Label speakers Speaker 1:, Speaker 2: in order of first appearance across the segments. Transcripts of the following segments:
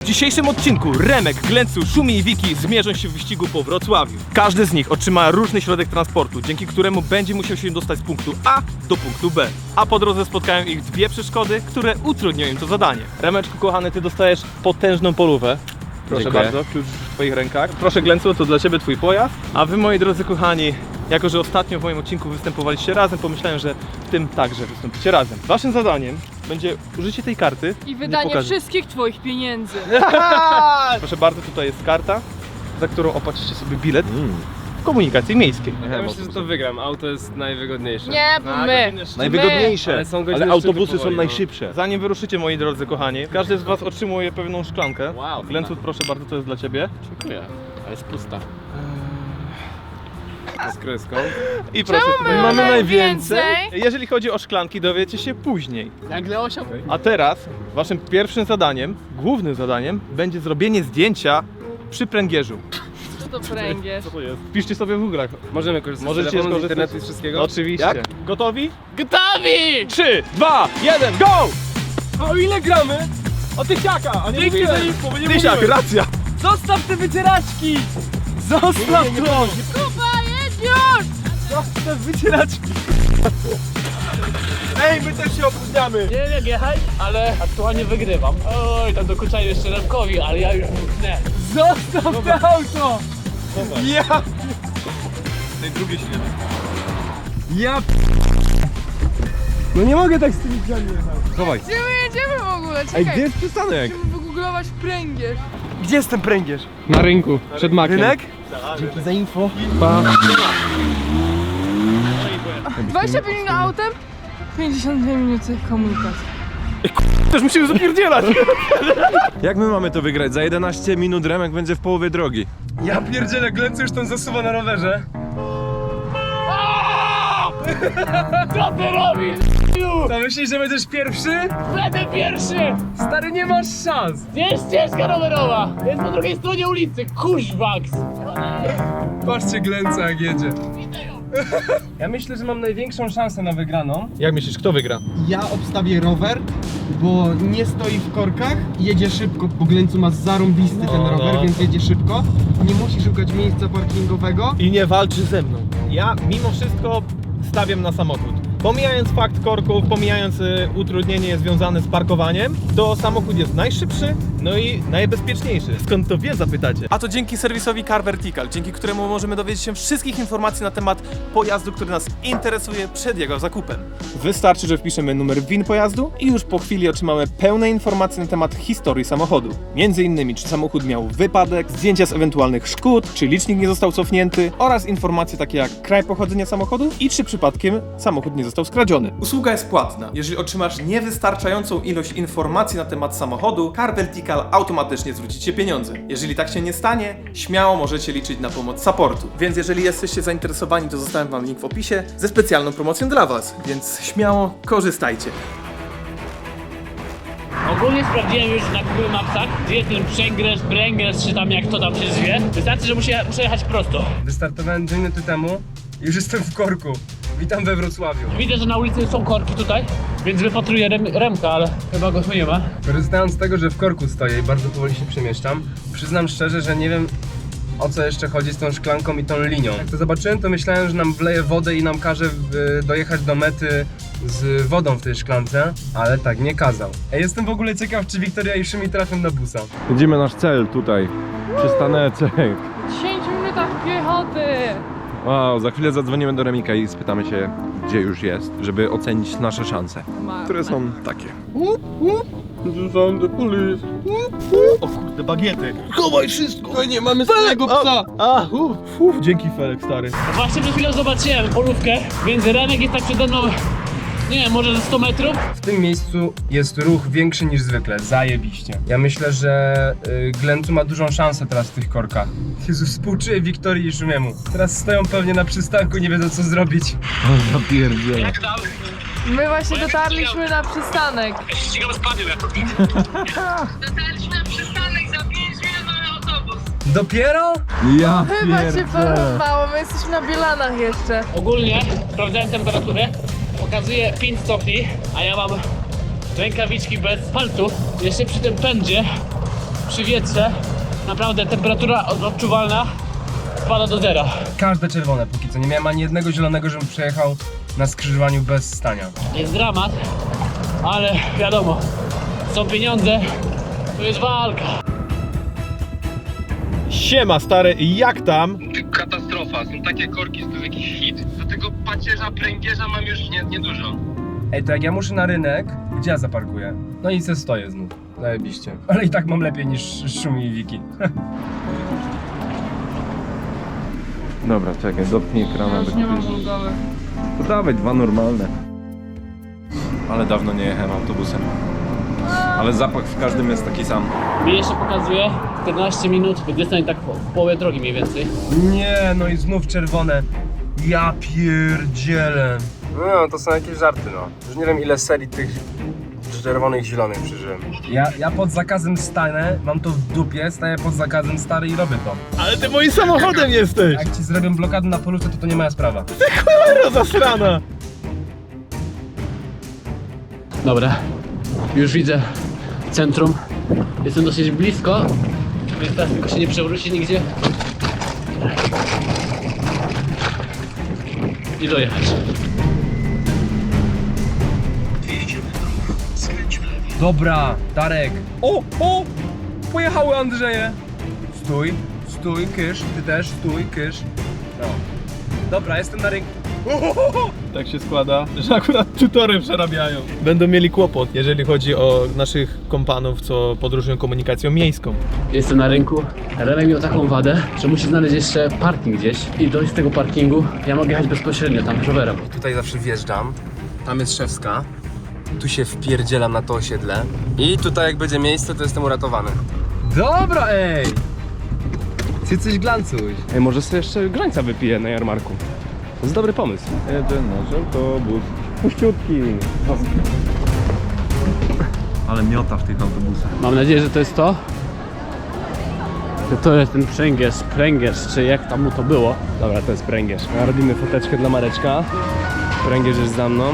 Speaker 1: dzisiejszym odcinku Remek, Glencu, Szumi i Wiki zmierzą się w wyścigu po Wrocławiu. Każdy z nich otrzyma różny środek transportu, dzięki któremu będzie musiał się dostać z punktu A do punktu B. A po drodze spotkają ich dwie przeszkody, które utrudnią im to zadanie. Remeczku kochany, ty dostajesz potężną polówę. Proszę
Speaker 2: Dziękuję.
Speaker 1: bardzo, klucz w twoich rękach. Proszę Glencu, to dla ciebie twój pojazd. A wy, moi drodzy kochani, jako że ostatnio w moim odcinku występowaliście razem, pomyślałem, że w tym także wystąpicie razem. Waszym zadaniem będzie użycie tej karty.
Speaker 3: I
Speaker 1: Nie
Speaker 3: wydanie
Speaker 1: pokażę.
Speaker 3: wszystkich twoich pieniędzy.
Speaker 1: Proszę bardzo, tutaj jest karta, za którą opłacicie sobie bilet w komunikacji miejskiej.
Speaker 2: Ja myślę, że to wygram. Auto jest najwygodniejsze.
Speaker 3: Nie, bo my.
Speaker 4: Najwygodniejsze,
Speaker 2: Ale są godziny
Speaker 4: ale autobusy
Speaker 2: szczytu
Speaker 4: są
Speaker 2: powoli, no.
Speaker 4: najszybsze.
Speaker 1: Zanim wyruszycie, moi drodzy kochani, każdy z was otrzymuje pewną szklankę.
Speaker 2: Wow.
Speaker 1: Glencu, proszę bardzo, to jest dla ciebie.
Speaker 2: Dziękuję, ale jest pusta. Z kryską.
Speaker 1: I proszę,
Speaker 3: Czemu
Speaker 1: tutaj
Speaker 3: mamy
Speaker 1: najwięcej.
Speaker 3: najwięcej?
Speaker 1: Jeżeli chodzi o szklanki, dowiecie się później.
Speaker 2: Nagle osiął.
Speaker 1: A teraz waszym pierwszym zadaniem, głównym zadaniem, będzie zrobienie zdjęcia przy pręgierzu.
Speaker 3: Co to pręgierz?
Speaker 1: Co to jest? Wpiszcie sobie w Google'ach.
Speaker 2: Możemy korzystać
Speaker 1: Możecie
Speaker 2: z telefonu, z
Speaker 1: skorzystać.
Speaker 2: internetu i z wszystkiego?
Speaker 1: Oczywiście.
Speaker 4: Jak?
Speaker 1: Gotowi?
Speaker 2: Gotowi!
Speaker 1: 3, 2, 1, go!
Speaker 2: O ile gramy?
Speaker 1: O tysiaka, a nie
Speaker 2: Dzięki
Speaker 1: mówiłem.
Speaker 2: za info, bo nie
Speaker 1: Tysiak,
Speaker 2: mówiłem.
Speaker 1: racja.
Speaker 2: Zostaw te wycieraczki! Zostaw to!
Speaker 3: Kuba, jedź już!
Speaker 2: Zostaw te wycieraczki!
Speaker 1: Ej, my też się opóźniamy.
Speaker 5: Nie wiem jak jechać, ale aktualnie wygrywam. Oj, tam dokuczają jeszcze Remkowi, ale ja już mknę.
Speaker 2: Zostaw te auto!
Speaker 1: Ja! Tej drugiej się nie
Speaker 2: Ja No nie mogę tak z tymi drzwiami jechać.
Speaker 4: Chowaj.
Speaker 3: Gdzie my jedziemy w ogóle? Czekaj.
Speaker 4: Ej, gdzie jest przystanek?
Speaker 3: Musimy wygooglować pręgierz.
Speaker 2: Gdzie jest ten pręgierz? Na rynku, przed makiem.
Speaker 1: Rynek?
Speaker 2: Dzięki za info.
Speaker 3: 25 minut autem, 52 minuty komunikacji.
Speaker 1: Też musimy zapierdzielać.
Speaker 4: Jak my mamy to wygrać? Za 11 minut Remek będzie w połowie drogi.
Speaker 2: Ja pierdzielę, Glencu już tam zasuwa na rowerze.
Speaker 5: Co ty robisz?
Speaker 2: To myślisz, że będziesz pierwszy?
Speaker 5: Będę pierwszy!
Speaker 2: Stary, nie masz szans.
Speaker 5: Jest ścieżka rowerowa! Jest po drugiej stronie ulicy, kurzwaks!
Speaker 2: Patrzcie Glenca jak jedzie. Ja myślę, że mam największą szansę na wygraną.
Speaker 1: Jak myślisz, kto wygra?
Speaker 6: Ja obstawię rower, bo nie stoi w korkach, jedzie szybko, bo Glencu ma zarąbisty ten rower, więc jedzie szybko. Nie musi szukać miejsca parkingowego.
Speaker 1: I nie walczy ze mną. Ja mimo wszystko stawiam na samochód. Pomijając fakt korków, pomijając utrudnienie związane z parkowaniem, to samochód jest najszybszy, no i najbezpieczniejszy. Skąd to wie, zapytacie? A to dzięki serwisowi Car Vertical, dzięki któremu możemy dowiedzieć się wszystkich informacji na temat pojazdu, który nas interesuje przed jego zakupem. Wystarczy, że wpiszemy numer VIN pojazdu i już po chwili otrzymamy pełne informacje na temat historii samochodu. Między innymi, czy samochód miał wypadek, zdjęcia z ewentualnych szkód, czy licznik nie został cofnięty oraz informacje takie jak kraj pochodzenia samochodu i czy przypadkiem samochód nie został skradziony. Usługa jest płatna. Jeżeli otrzymasz niewystarczającą ilość informacji na temat samochodu, Car Vertical automatycznie zwróci Ci pieniądze. Jeżeli tak się nie stanie, śmiało możecie liczyć na pomoc supportu. Więc jeżeli jesteście zainteresowani, to zostawiam Wam link w opisie ze specjalną promocją dla Was. Więc śmiało korzystajcie.
Speaker 5: Ogólnie sprawdziłem już na Google Mapsach, gdzie jest ten pręgierz, czy tam jak to tam się zwie. Wystarczy, że muszę jechać prosto.
Speaker 2: Wystartowałem 2 minuty temu i już jestem w korku. Witam we Wrocławiu.
Speaker 5: Widzę, że na ulicy są korki tutaj, więc wypatruję Remka, ale chyba go tu nie ma.
Speaker 2: Korzystając z tego, że w korku stoję i bardzo powoli się przemieszczam, przyznam szczerze, że nie wiem, o co jeszcze chodzi z tą szklanką i tą linią. Jak to zobaczyłem, to myślałem, że nam wleje wodę i nam każe dojechać do mety z wodą w tej szklance, ale tak nie kazał. Jestem w ogóle ciekaw, czy Wiktoria i Szumi trafią na busa.
Speaker 4: Widzimy nasz cel tutaj. Przystaneczek.
Speaker 3: 10 minutach piechoty.
Speaker 4: Wow, za chwilę zadzwonimy do Remika i spytamy się, gdzie już jest, żeby ocenić nasze szanse, które są takie.
Speaker 1: O kurde, bagiety.
Speaker 6: Chowaj wszystko! Nie mamy swojego psa!
Speaker 1: Dzięki Felek, stary.
Speaker 5: Właśnie przed chwilą zobaczyłem polówkę, więc Remek jest tak przede mną, nie wiem, może ze 100 metrów.
Speaker 2: W tym miejscu jest ruch większy niż zwykle, zajebiście. Ja myślę, że Glencu ma dużą szansę teraz w tych korkach. Jezu, współczuję Wiktorii i Szumiemu. Teraz stoją pewnie na przystanku, nie wiedzą co zrobić.
Speaker 5: Jak tam?
Speaker 3: My właśnie dotarliśmy na przystanek.
Speaker 5: Ja się ścigam z panią jako.
Speaker 3: Dotarliśmy na przystanek, za 5 minut mamy autobus.
Speaker 2: Dopiero?
Speaker 4: Ja
Speaker 3: Chyba cię porąbało, my jesteśmy na Bielanach jeszcze.
Speaker 5: Ogólnie sprawdzałem temperaturę, pokazuje 5 stopni, a ja mam rękawiczki bez palców. Jeszcze przy tym pędzie przy wietrze naprawdę temperatura odczuwalna spada do zera.
Speaker 2: Każde czerwone póki co. Nie miałem ani jednego zielonego, żebym przejechał na skrzyżowaniu bez stania.
Speaker 5: Jest dramat, ale wiadomo, są pieniądze, to jest walka.
Speaker 1: Siema stary, jak tam?
Speaker 2: Katastrofa, są takie korki, to jest jakiś hit. Do tego pacierza, pręgierza mam już niedużo. Ej, to jak ja muszę na rynek, gdzie ja zaparkuję? No i se stoję znów. Zajebiście. Ale i tak mam lepiej niż Szumi i Wiki.
Speaker 4: Dobra, czekaj, dotknij ekrana. Nie mam to dawaj, dwa normalne. Ale dawno nie jechałem autobusem. Ale zapach w każdym jest taki sam.
Speaker 5: Mi jeszcze pokazuje 14 minut, dystań tak w połowie drogi mniej więcej.
Speaker 2: Nie, no i znów czerwone. Ja pierdzielę. No, to są jakieś żarty, no. Już nie wiem ile serii tych czerwonych, zielonych przeżyłem. Ja pod zakazem stanę, mam to w dupie, staję pod zakazem stary i robię to.
Speaker 1: Ale ty moim samochodem jesteś!
Speaker 2: Jak ci zrobią blokadę na polówce, to nie moja sprawa.
Speaker 1: Cholera zasrana!
Speaker 5: Dobra, już widzę centrum, jestem dosyć blisko, więc teraz tylko się nie przewróci nigdzie i dojechać.
Speaker 2: Dobra, Darek. O! Pojechały Andrzeje. Stój, kysz, ty też, stój, kysz. No. Dobra, jestem na rynku.
Speaker 1: Tak się składa, że akurat tutory przerabiają. Będą mieli kłopot, jeżeli chodzi o naszych kompanów, co podróżują komunikacją miejską.
Speaker 5: Jestem na rynku, Remek miał taką wadę, że musi znaleźć jeszcze parking gdzieś i dojść z tego parkingu, ja mogę jechać bezpośrednio tam rowerem.
Speaker 2: Tutaj zawsze wjeżdżam. Tam jest Szewska. Tu się wpierdzielam na to osiedle. I tutaj jak będzie miejsce, to jestem uratowany. Dobra, ej! Ty coś glancuj.
Speaker 7: Ej, może sobie jeszcze grzańca wypiję na jarmarku. To jest dobry pomysł.
Speaker 4: Jedzie nasz autobus. Puściutki. Ale miota w tych autobusach.
Speaker 5: Mam nadzieję, że to jest to. Że to jest ten pręgierz, czy jak tam mu to było.
Speaker 7: Dobra, to jest pręgierz. A robimy foteczkę dla Mareczka. Pręgierz jest za mną.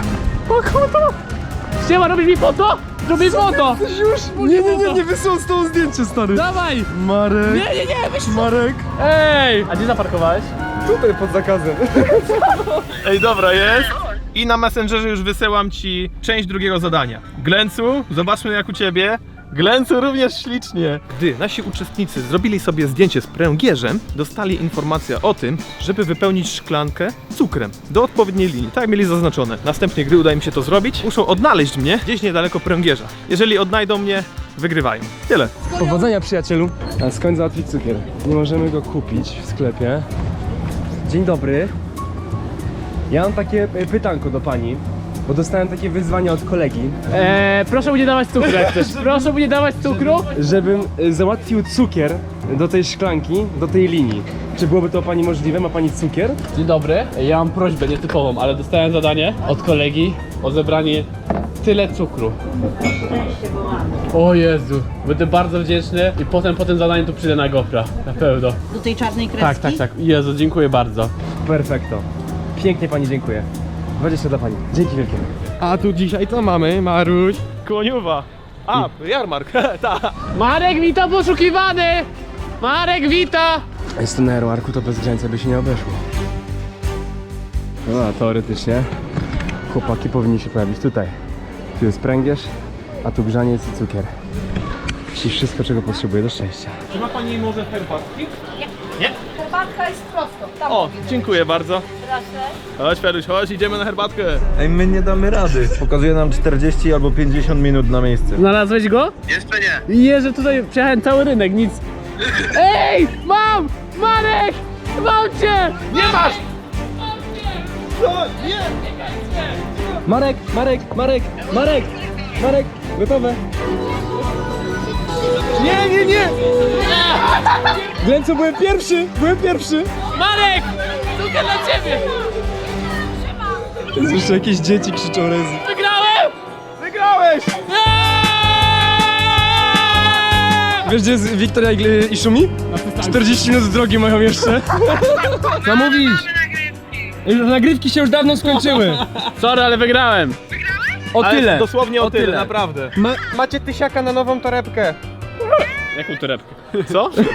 Speaker 5: Siema, robisz mi foto? Robisz foto!
Speaker 7: Nie wysyłam z tą zdjęcie, stary.
Speaker 5: Dawaj!
Speaker 7: Marek.
Speaker 5: Nie, weź
Speaker 7: Marek.
Speaker 5: Ej! A gdzie zaparkowałeś?
Speaker 7: Tutaj pod zakazem.
Speaker 1: Ej, dobra, jest. I na Messengerze już wysyłam ci część drugiego zadania. Glencu, zobaczmy jak u ciebie. Glencu również ślicznie. Gdy nasi uczestnicy zrobili sobie zdjęcie z pręgierzem, dostali informację o tym, żeby wypełnić szklankę cukrem do odpowiedniej linii. Tak jak mieli zaznaczone. Następnie, gdy uda im się to zrobić, muszą odnaleźć mnie gdzieś niedaleko pręgierza. Jeżeli odnajdą mnie, wygrywają. Tyle.
Speaker 7: Powodzenia, przyjacielu. A skąd załatwić cukier? Nie możemy go kupić w sklepie. Dzień dobry. Ja mam takie pytanko do pani, bo dostałem takie wyzwanie od kolegi,
Speaker 5: Proszę mu nie dawać cukru jak chcesz. Proszę mu nie dawać cukru.
Speaker 7: żebym załatwił cukier do tej szklanki, do tej linii. Czy byłoby to pani możliwe? Ma pani cukier?
Speaker 5: Dzień dobry. Ja mam prośbę nietypową, ale dostałem zadanie od kolegi o zebranie tyle cukru. O Jezu, będę bardzo wdzięczny i potem po tym zadaniu tu przyjdę na GoPro. Na pewno.
Speaker 8: Do tej czarnej kreski?
Speaker 5: Tak. Jezu, dziękuję bardzo.
Speaker 7: Perfekto. Pięknie pani dziękuję. 20 dla pani. Dzięki wielkie.
Speaker 1: A tu dzisiaj co mamy, Maruś? Kłoniuwa. A, jarmark, tak.
Speaker 5: Marek wita poszukiwany! Marek wita!
Speaker 7: Jestem na jarmarku, to bez grzańca by się nie obeszło. No, a teoretycznie chłopaki powinni się pojawić tutaj. Tu jest pręgierz, a tu grzaniec i cukier. Czyli wszystko, czego potrzebuję do szczęścia.
Speaker 1: Czy ma pani może herbatki?
Speaker 8: Herbatka jest prosto. Tam
Speaker 1: O, dziękuję bardzo.
Speaker 8: Proszę.
Speaker 1: Chodź Feruś, chodź, idziemy na herbatkę.
Speaker 9: Ej, my nie damy rady. Pokazuje nam 40 albo 50 minut na miejsce.
Speaker 5: Znalazłeś go?
Speaker 3: Jeszcze nie.
Speaker 5: Jeże, tutaj przejechałem cały rynek, nic. Ej! Mam! Marek! Mam cię!
Speaker 1: Nie masz!
Speaker 7: Marek, gotowe. Nie! Glencu, byłem pierwszy.
Speaker 5: Marek! Cukier dla ciebie!
Speaker 7: Jest jeszcze jakieś dzieci krzyczą rezy.
Speaker 5: Wygrałem!
Speaker 1: Wygrałeś!
Speaker 7: Wiesz, gdzie jest Wiktoria i Szumi? 40 minut drogi mają jeszcze. Co mówisz? Nagrywki się już dawno skończyły.
Speaker 5: Sorry, ale wygrałem.
Speaker 7: O tyle.
Speaker 1: Dosłownie o tyle, naprawdę.
Speaker 6: Macie tysiaka na nową torebkę.
Speaker 5: Jaką torebkę?
Speaker 1: Co?